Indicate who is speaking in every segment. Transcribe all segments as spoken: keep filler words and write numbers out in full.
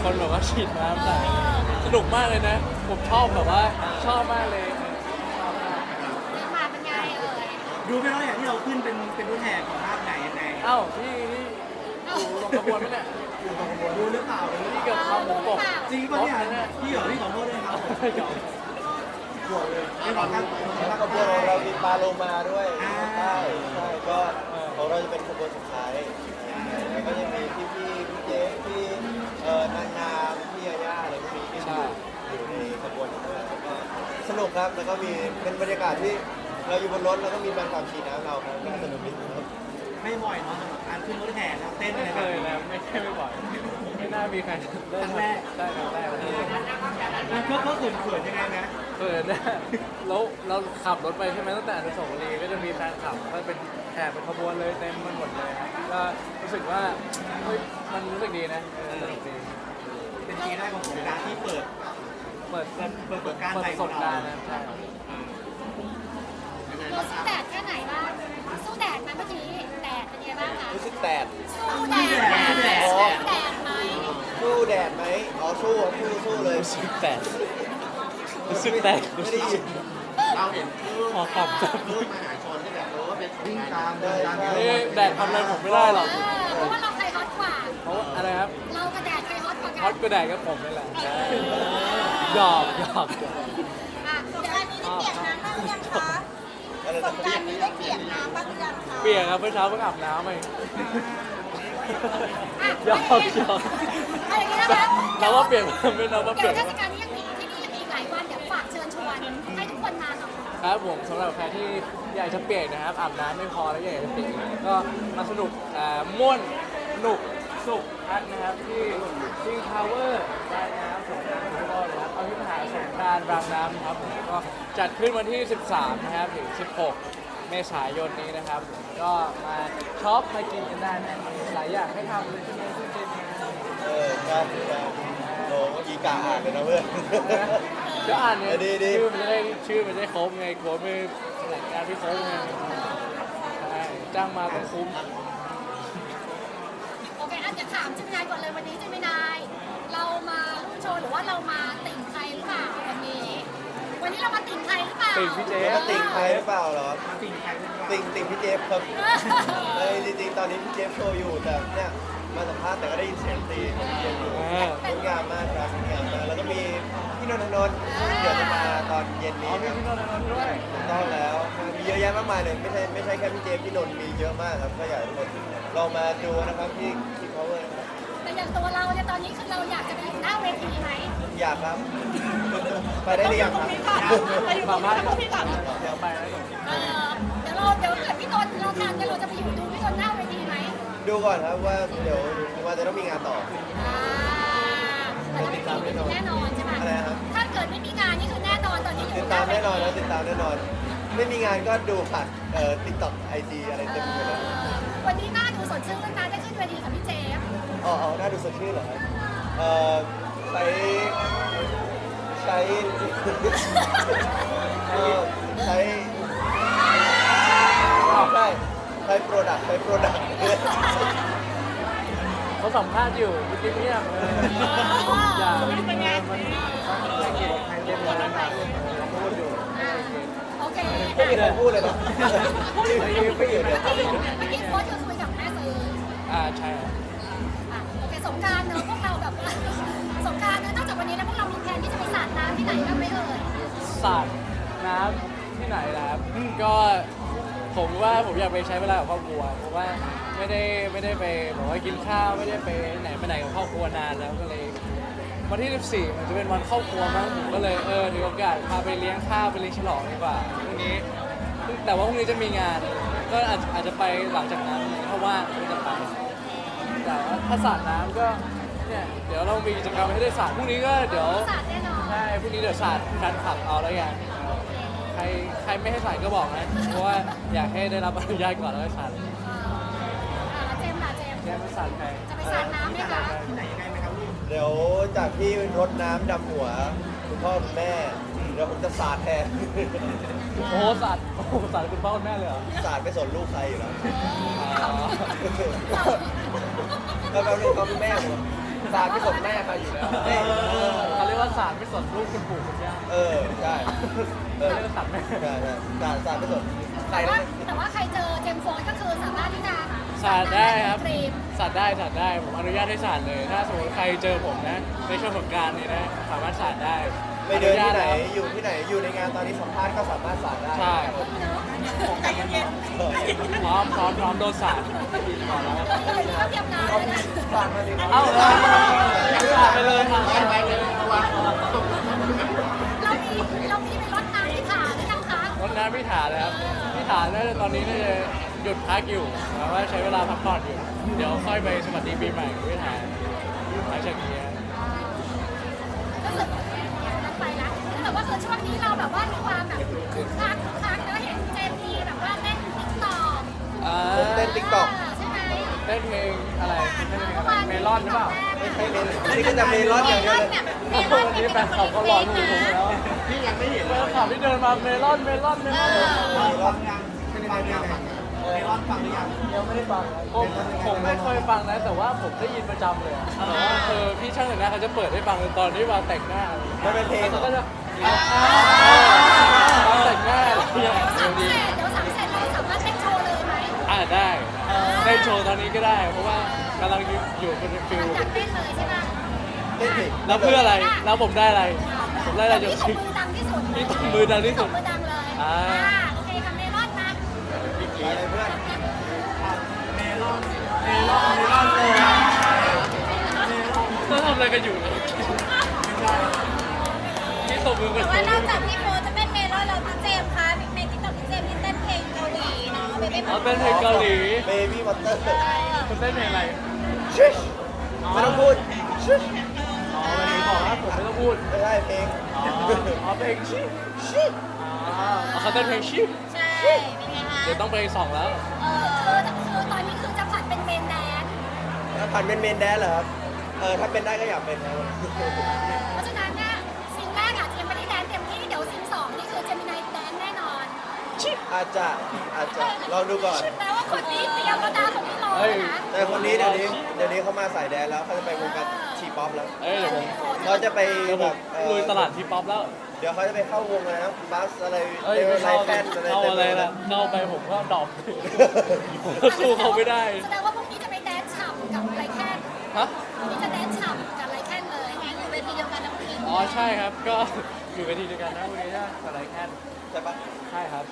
Speaker 1: คนแบบว่าฉีดน้ำใส่สนุกมากเลยนะ ผมชอบแบบว่าชอบมากเลยชอบมาก
Speaker 2: เดินมาเป็นไงเอ่ย
Speaker 3: ดูไหมว่าอย่างที่เราขึ้นเป็นเป็นรุ่นแห่ของภาคไหนยังไง
Speaker 1: เอ้าพี่นี่อยู่ตรงขบวนไหมเนี่ยอยู่ตรงขบวน
Speaker 3: ดูหรือเปล่าดู
Speaker 1: นี่เกือบเข้าหมูกบ
Speaker 3: จริงปะเนี่ยพี่เหรอพี่ขอโทษด้วยครับ
Speaker 1: หยอก
Speaker 3: บวกเลยไม่ขอข้างตัว
Speaker 4: แล้วขบวนของเรามีปลาโลมาด้วย
Speaker 3: อ่า
Speaker 4: ใช่ใช่ก็ของเราจะเป็นขบวนสุดท้ายแล้วก็จะมีพี่พี่พี่เจ๊พี่เอ่อนางงามพี่ยาย่าอะไรพวกนี้ที่อยู่อยู่ในขบวนด้วยแล้วก็สนุกครับแล้วก็มีเป็นบรรยากาศที่เราอยู่บนรถแล้วก็มีแฟนคลับขี่น้ำเราครับก็สนุกดีครับ
Speaker 3: ไม่บ่อยเนาะสำหรับการขึ้นรถแห่แล้วเต้นอะ
Speaker 1: ไม่
Speaker 3: ไร
Speaker 1: เค
Speaker 3: แบบ
Speaker 1: ย
Speaker 3: นี้
Speaker 1: นะไม่ใช่ไม่บ่อยไม่น่ามีใครได้
Speaker 3: ครั้งแรก
Speaker 1: ได้ครั้งแรกเลย
Speaker 3: ก็ก็เขินเขินยังไงนะ
Speaker 1: เขินนะแล้วเราขับรถไปใช่ไหมตั้งแต่อนุสาวรีย์ก็จะมีแฟนคลับก็เป็นแห่เป็นขบวนเลยเต็มมันหมดเลยครับก็รู้สึกว่าเฮ้ยมันรู้สึกดีนะเออสนุกดี
Speaker 3: เป็นปีแรกของสงกรานต์ที่เปิด
Speaker 1: เปิด
Speaker 3: เปิดเปิดประสบการณ์
Speaker 1: เปิด
Speaker 3: ใหม่
Speaker 1: ประ
Speaker 3: ข
Speaker 1: ส
Speaker 3: อง
Speaker 1: บ
Speaker 3: เรา
Speaker 1: การณ์นะใช่
Speaker 2: เราสู้แดดแค่ไหนบ้างสู้แดดไหมเมื่อกี้แดดเป็นไงบ้างคะ
Speaker 4: รู้สึกแดด
Speaker 2: สู้แดดไหมสู้แดดไหม
Speaker 4: สู้แดดไหมอ๋อสู้สู้สู้เลย
Speaker 1: รู้สึกแตกรู้สึกแตก
Speaker 4: ไม่ได้ยิน
Speaker 5: เราเห็นรูป
Speaker 1: ขอขอบคุณ
Speaker 5: รูปมหาชนที่แบบรู้ว่าเป็นวิ่งตามเดินตาม
Speaker 1: นี่แดดทำอะไรผมไม่ได้หรอก
Speaker 2: เออเพราะว่าเราใครฮอตกว่า
Speaker 1: เพราะว่าอะไรครับ
Speaker 2: เรากับแดดใครฮอตกว่ากั
Speaker 1: ฮอตก็แดดก็ผมนี่แหละหยอกหยอกหยอก
Speaker 2: อ่ะเดี๋ยวอันนี้ได้เปียกน้ำบ้างหรือยังคะ
Speaker 4: อะไร
Speaker 2: ส
Speaker 4: นะ
Speaker 2: งกรารนี้ได้เปียกน้ำบ้างหรือยังคะ
Speaker 1: เปียกครับเมื่อเช้าเพิ่งอาบน้ำไป
Speaker 2: อ่ะ
Speaker 1: หยอกหยอก
Speaker 2: อะไรอย่างเงี้ยนะคะ
Speaker 1: เราว่าเปลี่ยนไม่เราว่า
Speaker 2: เดี๋
Speaker 1: เป
Speaker 2: ย
Speaker 1: ลี่
Speaker 2: วย
Speaker 1: น
Speaker 2: เทศกาลนี้ยังมีที่นี่ยังมีอีกหลายวันเดี๋ยวฝากเชิญชวนให้ทุกคนมาหน่อย
Speaker 1: ครับผมสำหรับใครที่อยากจะเปียกนะครับอาบน้ำไม่พอแล้วอยากจะเปียกอีกก็มาสนุกอ่าม่วนสนุกสุขพักนะครับที่ซิงพาวเวอร์รายน้ำสงกรานต์ทุกคนนะครับเอาที่มหาสงกรานต์รางน้ำนะครับผมก็จัดขึ้นวันที่ สิบสาม นะครับถึง สิบหก เมษายนนี้นะครับก็มาช็อปมากินกันได้นะหลายอย่างให้ทำเลยใช่ไหมพี่เจมส์
Speaker 4: เออใช่ใช่โอ้เมื่อกี้กาอ่านเลยนะเพื่อน
Speaker 1: ก็อ่านเนี่ย
Speaker 4: ดีดี
Speaker 1: ชื่อมันจะได้ชื่อมันจะได้ครบไงกลัวไม่งานที่ครบไงใช่จ้างมาต้องคุ้ม
Speaker 2: โอเคอ่ะจะถามเจมินายก่อนเลยวันนี้เจมินายเรามารุ่นโชว์หรือว่าเรามาติ่งใครหรือเปล่าวันนี้ วันนี้เรามาติ่งใครหรือเปล่า
Speaker 1: ติ่งพี่เจ
Speaker 4: แล้วติ่งใครหรือเปล่าเหรอ
Speaker 3: สิ่งใครเป็น
Speaker 4: ติ่งติ่งพี่เจฟครับเอ้ยจริงๆตอนนี้พี่เจฟโชว์อยู่แต่เนี่ยมาสัมภาษณ์แต่ก็ได้ยินเสียงตีของพี่เจฟอยู่
Speaker 1: อ่าง
Speaker 4: ดงามมากครับงดงามมากแล้วก็มีพี่นนทนนท์เดี๋ยวจะมาตอนเย็น
Speaker 1: อ๋อ
Speaker 4: นี้
Speaker 1: มี
Speaker 4: ครับ
Speaker 1: พี่นนท์นนท์ด้วย
Speaker 4: ถูกต้องแล้วมีเยอะแยะมากมายเลยไม่ใช่ไม่ใช่แค่พี่เจฟพี่นนท์มีเยอะมากครับก็อยากให้ทุกคนลองมาดูนะครับที่ที่ power นะครับ
Speaker 2: แต่อย่างตัวเราเนี่ยตอนนี้คือเราอยากจะไปอยู่หน้าเวทีไหม
Speaker 4: อยากครับ ไปได้หรือยังครับ
Speaker 1: สามารถเดี๋ยวไปแล้วเดี๋ยว
Speaker 2: เออเดี๋ยวเราเดี๋ยวเกิดพี่นนท์เราทานกันเราจะไปอยู่ดูพี่นนท์หน้าเวทีไหม
Speaker 4: ดูก่อนครับว่าเดี๋ยวว่าจะต้องมีงานต่อ
Speaker 2: อ่าแต่ถ้าไม่มีนี่คือแน่นอนใช่ไหม
Speaker 4: อะไรนะครับ
Speaker 2: ถ้าเกิดไม่มีงานนี่คือแน่นอนตอนนี้อยู่
Speaker 4: ติด
Speaker 2: ห
Speaker 4: ตา
Speaker 2: น้าม เว
Speaker 4: แน่นอน
Speaker 2: ที
Speaker 4: นะติดตามแน่นอน ไม่มีงานก็ดูผ่านเอ่อติ๊กต็อกไอจีอะไร
Speaker 2: เอ
Speaker 4: เต็มไปหมดเลย
Speaker 2: อวันนี้หน้าดูสดชื่นนะได้ขึ้นเวทีกับพี่เจฟ
Speaker 4: อ๋ออ๋อน่าดูสดชื่นเหรอครับเอ่อใช้ใช้เอ่อใช้ใช่ใช้โปรดักต์ใช้โปรดักต์
Speaker 1: เขาสัมภาษณ์อยู่พี่กิ๊กเงียบเลยอย่ามันมันมันเก็บเก็บวันนั้นมาเราพูดอยู่
Speaker 2: อ่าโอเค
Speaker 4: ไม่มีใครพูดเลยเหรอไม่มีไม่อยู่เดี๋ยว
Speaker 2: เมื่อกี้เมื่อกี้โค้ชคือคุยกับแม่ซื้อ
Speaker 1: อ่าใช่
Speaker 2: อ่ะโอเคสงกรารเนอะพวกเราแบบว่าสงกรารเนอะนอกจากวันนี้แล้วพวกเรามีแผนที่จะไปสาดน้ำที่ไหนบ้างไหมเอ่ย
Speaker 1: สาดน้ำที่ไหนนะครับก็ผมว่าผมอยากไปใช้เวลากับครอบครัวเพราะว่าไม่ได้ไม่ได้ไปบอกว่ากินข้าวไม่ได้ไปไหนไปไหนกับครอบครัวนานแล้วก็เลยวันที่ สิบสี่ มันจะเป็นวันครอบครัวมั้งผมก็เลยเออถือโอกาสพาไปเลี้ยงข้าวไปเลี้ยงฉลองดีกว่าพรุ่งนี้แต่ว่าพรุ่งนี้จะมีงาน ก็อาจอาจจะไปหลังจากนั้นเพราะว่าก็จะไปแต่ว่าถ้าสาดน้ำก็เนี่ยเดี๋ยวเรามีกิจกรรมให้ได้สาดพรุ่งนี้ก็เดี๋ยว
Speaker 2: สาดแน่นอน
Speaker 1: ใช่พรุ่งนี้เดี๋ยวสาดแฟนคลับเอาแล้วกันใครใครไม่ให้สาดก็บอกนะเพราะว่าอยากให้ได้รับอนุญาตก่อนแล้วก็สาด
Speaker 2: อ่าอ่าแล้วเจมส์ล่ะเจมส์
Speaker 1: แยกไม่สาดใคร
Speaker 2: จะไปสาดน้ำไหมคะ
Speaker 3: ที่ไหนยังไงไหมครับลูก
Speaker 4: เดี๋ยวจากที่รดน้ำดำหัวคุณพ่อคุณแม่เดี๋ยวผมจะสาดแทน
Speaker 1: โอ้โหสาดโอ้โหสาดคุณพ่อคุณแม่เลยเหรอ
Speaker 4: สาดไม่สนลูกใครอยู่แล้ว
Speaker 1: อ๋อ
Speaker 4: แล้วแป๊บนึงครับคุณแม่ผมสารไม่สนแม่ใครอยู่แล้ว
Speaker 1: เออเขาเรียกว่าสารไม่สนลูกคุณปู่คุณย่า
Speaker 4: เออใช่เออ
Speaker 1: เรียกว่าสารแม่
Speaker 4: ใช่ใช่สารสารไม่สนใคร
Speaker 2: แต่ว่า
Speaker 4: นะ
Speaker 2: แต่ว่าใครเจอเจมส์โฟนก็คือสามารถที่จะ
Speaker 1: สารได้ครับ
Speaker 2: ครีม
Speaker 1: สารได้สารได้ผมอนุญาตให้สารเลย ถ้าสมมติใครเจอผมนะในช่วงสงกรานต์นี้นะสามารถสารได้
Speaker 4: ไปเดินที่ไหน
Speaker 1: อญาตแล้ว
Speaker 4: อยู่ที่ไหนอยู่ในงานตอนนี้สัมภาษณ์ก็สามารถสารได้
Speaker 1: ใช่
Speaker 2: ใจเย็น
Speaker 4: เออ
Speaker 1: พร้อมพร้อมพร้อมโดนสารก่อนแล้ว
Speaker 2: ๆเลยนี่ก็เตรียมน้ำเลยนะ
Speaker 4: ฝากมาดิ
Speaker 1: เอ้าสารไปเลยค่ะ
Speaker 5: ไปไปเลยตัวตก
Speaker 2: เรามีเรามีไปรดน้ำที่ขาด้วยนะคะ
Speaker 1: รถน้ำพิถาเลยครับพิถาน่าจะตอนนี้น่าจะหยุดพักอยู่แต่ว่าใช้เวลาพักผ่อนอยู่ เดี๋ยวค่อยไปสวัสดีปีใหม่กับพิถาหลังจากนี้
Speaker 2: รู้สึกไปละแต่ว่าคือช่วงนี้เราแบบว่ามีความแบบคึกคักคึกคักแล้วเห็นเจมมีแบบว่าเล่นติ๊กต็อก
Speaker 1: อ่า
Speaker 4: ผมเต้นติ๊กต็อก
Speaker 2: ใช่ไหม
Speaker 1: เต้นเพลงอะไรเต้นเพลงอะไรเมลอนหรือเปล่า
Speaker 4: ไม่ใช่เมลอนนี่ก็จะเมลอนอย่างเดียวเลย
Speaker 1: วันนี้แฟนคลับเขารอดูผมแล้ว
Speaker 5: พี่ยังไม่เห็น
Speaker 1: แฟ
Speaker 5: เลย
Speaker 1: นคลับที่เดินมาเมลอนเมลอนเมลอน
Speaker 3: ฟังยังเป็นฟังยังเมลอนฟังหรือยัง
Speaker 1: ยังไม่ได้ฟังผมผมไม่เคยฟังนะ แต่ว่าผมได้ยินประจำเลยอะแต่ว่าเออพี่ช่างแต่งหน้าเขาจะเปิดให้ฟังตอนที่วางแต่งหน้า
Speaker 4: มันเป็นเพลง
Speaker 1: เขาก็จะวางแต่งหน้าอะไรอย่างเงี้ย
Speaker 2: เดี๋ยว
Speaker 1: เดี๋ยว
Speaker 2: สาม
Speaker 1: ดี
Speaker 2: เสร็จเดี๋ยวสามเสร็จเราสามารถเต้นโชว์เลยไหม
Speaker 1: อ่าได้ได้โชว์ตอนนี้ก็ได้ เพราะว่ากำลังอยู่อยู่บนฟิ
Speaker 2: ห
Speaker 1: ล
Speaker 2: ลังจากเต้นเลยใช่ไหม
Speaker 4: เต้นผิด
Speaker 1: แล้วเพื่ออะไรแล้วผมได้อะไร ผมได้อะไรจาก
Speaker 2: พี่ตบมือดังที่สุด
Speaker 1: พี่ตบมือดังที่สุด
Speaker 2: ตบมือดังเลย
Speaker 1: อ่า
Speaker 2: โอเคค่ะเมลอนมา
Speaker 4: ไปเลยเพื่อน
Speaker 1: เขาทำอะไรกันอยู่เนี่ยพี่ตบมือกั
Speaker 2: แต่
Speaker 1: น
Speaker 2: ว่านอกจากพี่โฟจะเป็นเมลอนแล้วพี่เจมส์คะในติ๊กต็อกพี่เจมส์ที่เต้นเพลงเกาหลีเนาะเบบี้
Speaker 1: อ๋อเป็นเพลงเกาหลี
Speaker 4: เบบี้วอเตอร์
Speaker 1: คุณเต้นเพลงอะไร
Speaker 4: ชิชไม่ต้องพูดชิช
Speaker 1: อ๋อวันนี้บอกว่าผมไม่ต้องพูด
Speaker 4: ไม่ใช่เพลง
Speaker 1: อ๋ออ๋อเพลงชิ
Speaker 4: ชิ
Speaker 1: อ๋อเขาเต้นเพลงชิ
Speaker 2: ใช่เป็นไงคะ
Speaker 1: เดี๋ยวต้องเพลงสองแล้ว
Speaker 2: เออคือคือตอนนี้คือจะผัดเป็นเมนแดน
Speaker 4: แล้วผ่านเป็นเมนแดนเหรอครับเออถ้าเป็นได้ก็อยากเป็นนะ
Speaker 2: เพราะฉะนั้นเนี่ยซิงแรกอาจจะยังไม่ได้แดนเต็มที่เดี๋ยวซิงสองนี่คือเจมินายแดนแน่นอน
Speaker 4: อาจจะอาจจะลองดูก่อน
Speaker 2: แปลว่าคนนี้เตรียมแล้วนะคนนี้รอแล้วนะ
Speaker 4: แต่คนนี้เดี๋ยวนี้เดี๋ยวนี้เขามาสายแดนแล้วเขาจะไปวงการทีป๊อปแล้ว
Speaker 1: เอ้ยเดี๋ยวผม
Speaker 4: เขาจะไป
Speaker 1: เดี๋ยวผ
Speaker 4: แบ
Speaker 1: ม
Speaker 4: บเอ่อ
Speaker 1: ลุยตลาดทีป๊อปแล้ว
Speaker 4: เดี๋ยวเขาจะไปเข้าวงอะไรนะบัสอะไร
Speaker 1: เอ้ย
Speaker 4: เด
Speaker 1: ไม่
Speaker 4: วไล
Speaker 1: เข้า
Speaker 4: แฟนอะไร
Speaker 1: เข้า
Speaker 4: เต็ม
Speaker 1: อะไร
Speaker 4: ไปหมด
Speaker 1: ล่ะเข้าไปผมก็ดรอปผมก็สู้เขาไม่ได้
Speaker 2: แสดงว่าพวกนี้จะไปแดนฉ่ำกับไรแคน
Speaker 1: ฮะ
Speaker 2: นี่จะแดนฉ่ำกับไรแคนเลยอยู่เวทีเดียวกันนะพวกนี้
Speaker 1: อ๋อใช่ครับ ก็อยู่กันทีเดียวกันนะวันนี้นะอะไรแค่
Speaker 4: ใช่ปะ
Speaker 1: ใช่ครับ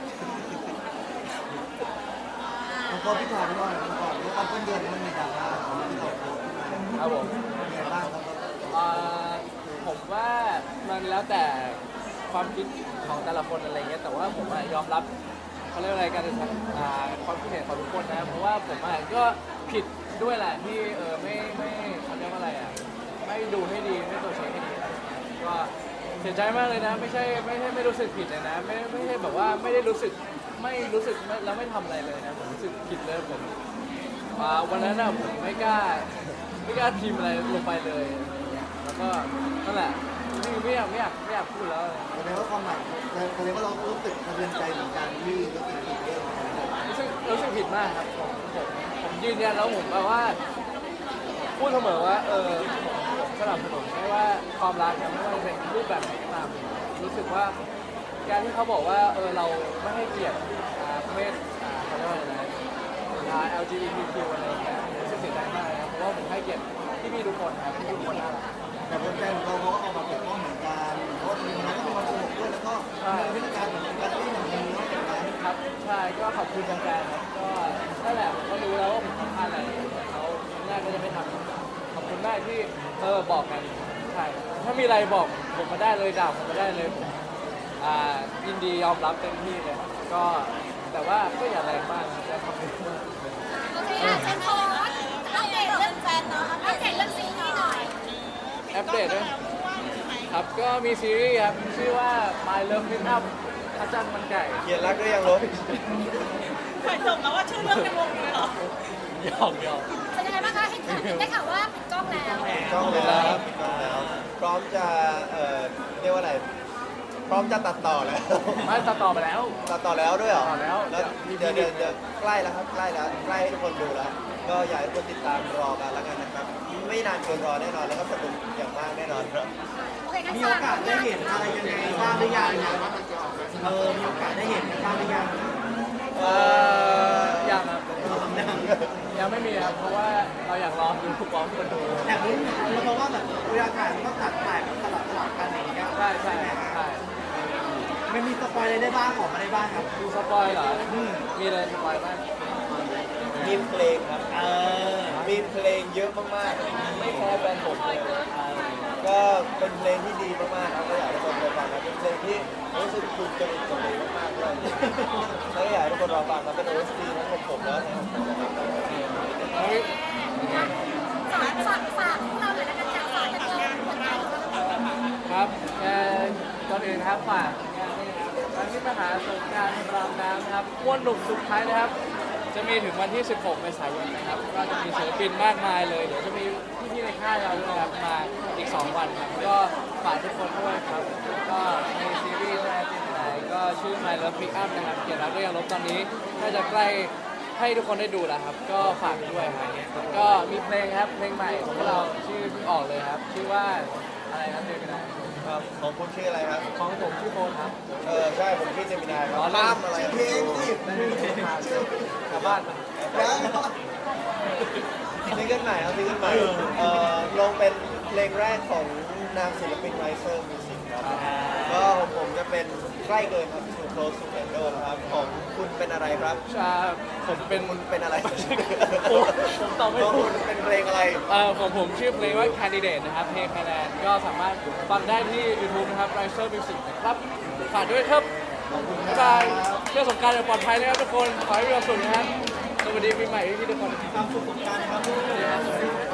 Speaker 3: ผมก็พี่ถามก่อนก่อนว่าต้นเดือนมันมีดราม่าที่เราโพสต์
Speaker 1: ครับผม
Speaker 3: เป็นไงบ้างครับ
Speaker 1: อ่าผมว่ามันแล้วแต่ความคิดของแต่ละคนอะไรเงี้ยแต่ว่าผมอะยอมรับเขาเรียกอะไรกันอ่าความคิดเห็นของทุกคนนะเพราะว่าผมอะก็ผิดด้วยแหละที่เออไม่ไม่เขาเรียกว่าอะไรอ่ะไม่ดูให้ดีไม่ตัวจเช็คให้ดีก็เสียใจมากเลยนะ ไม่ใช่ไม่ใช่ไม่รู้สึกผิดเลยนะ ไม่ไม่ใช่แบบว่าไม่ได้รู้สึกไม่รู้สึกไม่แล้วไม่ทำอะไรเลยนะผมรู้สึกผิดเลยผมอ่าวันนั้นอะผมไม่กล้าไม่กล้าพิมพ์อะไรลงไปเลยอะไรเงี้ยแล้วก็นั่นแหละไม่ไม่อยากไม่อยากไม่อยากพูดแล้ว
Speaker 3: แสดงว่าความหมายแสดงว่าเรารู้สึกสะเทือนใจเหมือนกันที่รู้สึกผิดเรื่องของเรา
Speaker 1: รู้สึกรู้สึกผิดมากครับผมผมผมยืนยันแล้วผมแบบว่า พูดเสมอว่าเออผมผมสนับสนุนไม่ว่าความรักเนี่ยไม่ว่าจะเป็นรูปแบบไหนก็ตามรู้สึกว่าการที่เขาบอกว่าเออเราไม่ให้เกียรติอ่าเพศอ่าเขาเรียกว่าอะไรนะอ่า แอล จี บี ที คิว อะไรอย่างเงี้ยรู้สึกเสียใจมากนะเพราะว่าผมให้เกียรติพี่ๆทุกคนครับทุกคนน่ารัก
Speaker 3: แต่แฟนๆเขาก็ออกมาปกป้องเหมือนกันเพราะว่ามีมันก็มีความสนุกด้วยแล้วก็มีวิธีการเหมือนกันที่เหมือนกันเนาะแบบนั้น
Speaker 1: ครับใช่ก็ขอบคุณแฟนๆครับก็นั่นแหละผมก็รู้แล้วว่าผมทำพลาดอะไรแต่เขาแรกก็จะไม่ทำขอบคุณมากที่เออบอกกันใช่ถ้ามีอะไรบอกผมมาได้เลยด่าผมมาได้เลยผมอ่ายินดียอมรับเต็มที่เลยก็แต่ว่าก็อย่าแรงมากนะจะทำให้มาก
Speaker 2: โอเคอ่ะเจนโฟอัปเดตเรื่องแฟนเนาะอัปเดตเรื่องซีรีส์หน่อย
Speaker 1: อัปเดตด้วยครับก็มีซีรีส์ครับชื่อว่า My Love Pick Up พระจันทร์มันไก่
Speaker 4: เขียนรักด้วยยังลบ
Speaker 6: ถ่ายจบแล้วว่าชื่อเรื่องในวงเลยเหรอ
Speaker 1: หยอกหยอก
Speaker 2: เป็นยังไงบ้างคะเห็นข่าวได้ข่าวว่าปิดกล้องแล้ว
Speaker 4: กล้องแล้วปิดกล้องแล้ว พร้อมจะเอ่อเรียกว่าอะไร พร้อมจะตัดต่อแล้ว
Speaker 1: ไม่ตัดต่อไปแล้ว
Speaker 4: ตัดต่อแล้วด้วยเหรอ
Speaker 1: ตัดต่อแล้ว
Speaker 4: แล้วเดี๋ยวเดี๋ยวเดี๋ยวใกล้แล้วครับใกล้แล้วใกล้ให้ทุกคนดูแล้ว ก็อยากให้ทุกคนติดตามรอกันแล้วกันนะครับ ไม่ไม่นานเกินรอแน่นอนแล้วก็สนุกอย่างมากแน่นอนครับ
Speaker 2: โอเคงั้น
Speaker 3: มี
Speaker 2: ฝ
Speaker 3: โอกาสได้เห็นอะไรยังไงบ้างหรือยังเออมีโอกาสได้เห็นบ้างหรือยัง
Speaker 1: เอ่อยังครับยังไม่มีครับเพราะว่าเราอยากรอดูพร้อมคนดู
Speaker 3: แต่รู้เพราะว่าแบบเวลาถ่ายมันก็ตัดถ่ายแบบสลับสลับกันอย่างเงี้ย
Speaker 1: ใช่ใช่ใช่
Speaker 3: มันมีสปอยอะไรได้บ้างของมาได้บ้างครับ
Speaker 1: ดูสปอยเหรอมีอะไรสปอยบ้าง
Speaker 4: มีเพลงครับ
Speaker 3: เออ
Speaker 4: มีเพลงเยอะมากๆ ไม่แพ้แฟนผมเลยก็เป็นเพลงที่ดีมากๆครับก็อยากให้ทุกคนไปฟังนะเป็นเพลงที่รู้สึกถูกจริตกับผมมากๆด้วยแล้วก็อยากให้ทุกคนรอฟังนะเป็น โอ เอส ที ทั้งของผมแล้วนะครับ
Speaker 1: เฮ้ย
Speaker 2: ฝากฝากฝากพวกเราหน่อยละกันค่ะฝากกันเลยผลงานของเรา
Speaker 1: ครับแกก่อนอื่นครับฝากงานนี้นะครับวันที่มหาสงกรานต์รามน้ำนะครับม้วนหนุกสุดท้ายนะครับ จะมีถึงวันที่ สิบหก เมษายนนะครับก็จะมีศิลปินมากมายเลย เดี๋ยวจะมีพี่ๆในค่ายเราด้วยนะครับมาอีก สอง วันครับ ก็ฝากทุกคนด้วยครับ ก็ในซีรีส์นะที่ไหนก็ชื่อ My Love Pick Up นะครับเขียนรักด้วยยางลบตอนนี้น่าจะใกล้ให้ทุกคนได้ดูแล้วครับ ก็ฝากด้วยครับก็มีเพลงครับ เพลงใหม่ของพวกเราชื่อเพิ่งออกเลยครับ ชื่อว่าอะไรครับเดือนกันยายน
Speaker 4: ครับของคุณชื่ออะไรครับ
Speaker 1: ของผมชื่อโฟนครับ
Speaker 4: เออใช่ผมชื่อเจมินายครับ
Speaker 1: อ๋อ
Speaker 4: ข้ามอะไร
Speaker 3: เพลงสิ
Speaker 1: กลับบ้านมา
Speaker 4: ซิงเกิลใหม่ครับซิงเกิลใหม่เอ่อลงเป็นเพลงแรกของนามศิลปินไรเซอร์มิวสิกครับก็ของผมจะเป็นใกล้เกินครับ Too Close to Handle นะครับของคุณเป็นอะไรครับ
Speaker 1: ใช่ผมเป็น
Speaker 4: คุณเป็นอะไร
Speaker 1: ผมผมตอบไม่
Speaker 4: ของ
Speaker 1: ถู
Speaker 4: คุ
Speaker 1: ก
Speaker 4: ณเป็นเพลงอะไร
Speaker 1: เอ่อของผมชื่อเพลงว่า Candidate นะครับเพลงคะแนนก็สามารถฟังได้ที่ YouTube นะครับ Riser Music นะครับฝากด้วยครับบ๊ายบายเที่ยวสงกรานต์อย่างปลอดภัยนะครับทุกคน ขอให้มีความสุขนะครับสวัสดีปีใหม่พี่ๆทุกคน
Speaker 3: ความสุขของการครับ